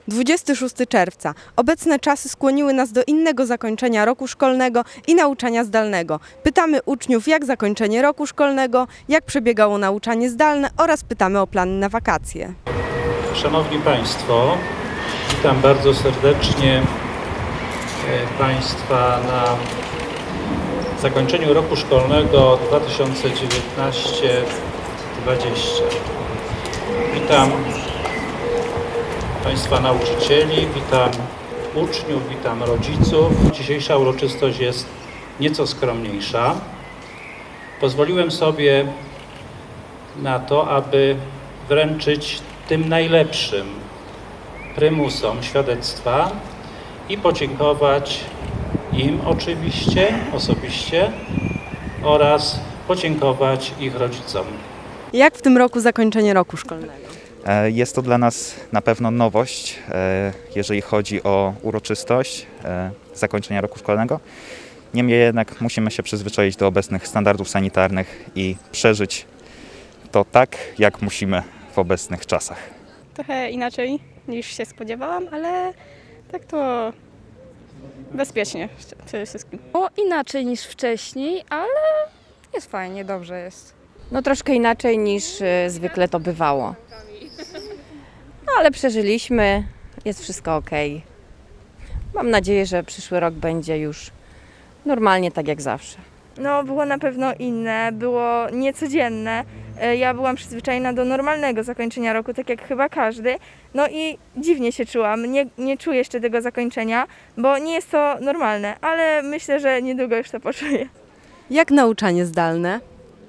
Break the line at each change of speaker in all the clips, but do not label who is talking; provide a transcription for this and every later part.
26 czerwca. Obecne czasy skłoniły nas do innego zakończenia roku szkolnego i nauczania zdalnego. Pytamy uczniów, jak zakończenie roku szkolnego, jak przebiegało nauczanie zdalne oraz pytamy o plany na wakacje.
Szanowni Państwo, witam bardzo serdecznie Państwa na zakończeniu roku szkolnego 2019-2020. Witam Państwa nauczycieli, witam uczniów, witam rodziców. Dzisiejsza uroczystość jest nieco skromniejsza. Pozwoliłem sobie na to, aby wręczyć tym najlepszym prymusom świadectwa i podziękować im oczywiście, osobiście oraz podziękować ich rodzicom.
Jak w tym roku zakończenie roku szkolnego?
Jest to dla nas na pewno nowość, jeżeli chodzi o uroczystość zakończenia roku szkolnego. Niemniej jednak musimy się przyzwyczaić do obecnych standardów sanitarnych i przeżyć to tak, jak musimy w obecnych czasach.
Trochę inaczej niż się spodziewałam, ale tak to bezpiecznie przede wszystkim.
Inaczej niż wcześniej, ale jest fajnie, dobrze jest.
No troszkę inaczej niż zwykle to bywało. No, ale przeżyliśmy, jest wszystko ok. Mam nadzieję, że przyszły rok będzie już normalnie tak jak zawsze.
No, było na pewno inne, było niecodzienne. Ja byłam przyzwyczajona do normalnego zakończenia roku, tak jak chyba każdy. No i dziwnie się czułam. Nie czuję jeszcze tego zakończenia, bo nie jest to normalne, ale myślę, że niedługo już to poczuję.
Jak nauczanie zdalne?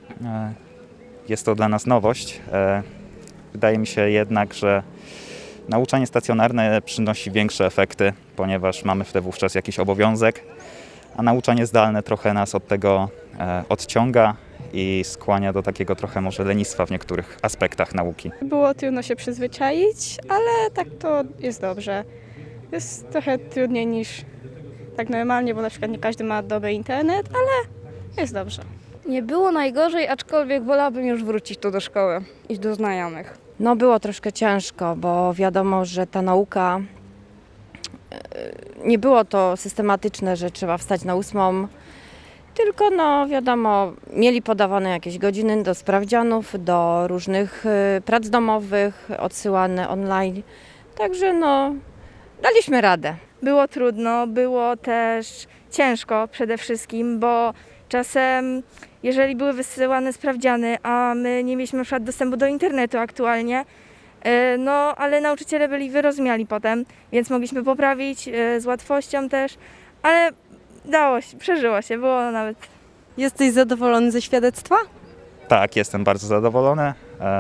Jest to dla nas nowość. Wydaje mi się jednak, że nauczanie stacjonarne przynosi większe efekty, ponieważ mamy wtedy wówczas jakiś obowiązek, a nauczanie zdalne trochę nas od tego odciąga i skłania do takiego trochę może lenistwa w niektórych aspektach nauki.
Było trudno się przyzwyczaić, ale tak to jest dobrze. Jest trochę trudniej niż tak normalnie, bo na przykład nie każdy ma dobry internet, ale jest dobrze.
Nie było najgorzej, aczkolwiek wolałabym już wrócić tu do szkoły, iść do znajomych.
No było troszkę ciężko, bo wiadomo, że ta nauka, nie było to systematyczne, że trzeba wstać na 8, tylko no wiadomo, mieli podawane jakieś godziny do sprawdzianów, do różnych prac domowych, odsyłane online, także no daliśmy radę.
Było trudno, było też ciężko przede wszystkim, bo czasem, jeżeli były wysyłane sprawdziany, a my nie mieliśmy na przykład dostępu do internetu aktualnie, no ale nauczyciele byli wyrozumiali potem, więc mogliśmy poprawić z łatwością też, ale dało się, przeżyło się, było nawet.
Jesteś zadowolony ze świadectwa?
Tak, jestem bardzo zadowolony.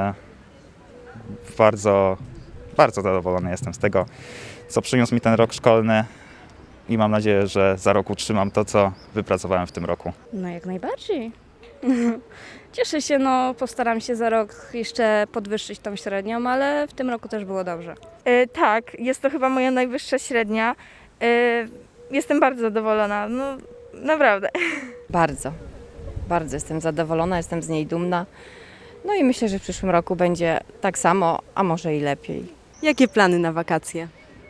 Bardzo zadowolony jestem z tego, co przyniósł mi ten rok szkolny i mam nadzieję, że za rok utrzymam to, co wypracowałem w tym roku.
No jak najbardziej. Cieszę się, no postaram się za rok jeszcze podwyższyć tą średnią, ale w tym roku też było dobrze.
Tak, jest to chyba moja najwyższa średnia. Jestem bardzo zadowolona, no naprawdę.
Bardzo jestem zadowolona, jestem z niej dumna. No i myślę, że w przyszłym roku będzie tak samo, a może i lepiej.
Jakie plany na wakacje?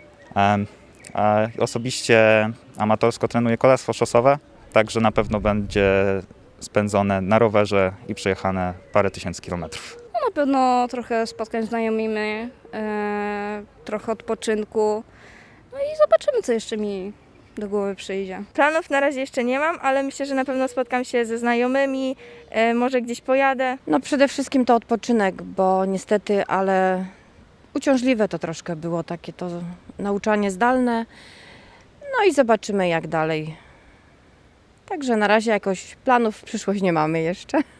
Osobiście amatorsko trenuję kolarstwo szosowe, także na pewno będzie spędzone na rowerze i przejechane parę tysięcy kilometrów.
No, na pewno trochę spotkań z znajomymi, trochę odpoczynku. No i zobaczymy, co jeszcze mi do głowy przyjdzie.
Planów na razie jeszcze nie mam, ale myślę, że na pewno spotkam się ze znajomymi, może gdzieś pojadę.
No przede wszystkim to odpoczynek, bo niestety, ale uciążliwe to troszkę było takie to nauczanie zdalne. No i zobaczymy jak dalej. Także na razie jakoś planów w przyszłość nie mamy jeszcze.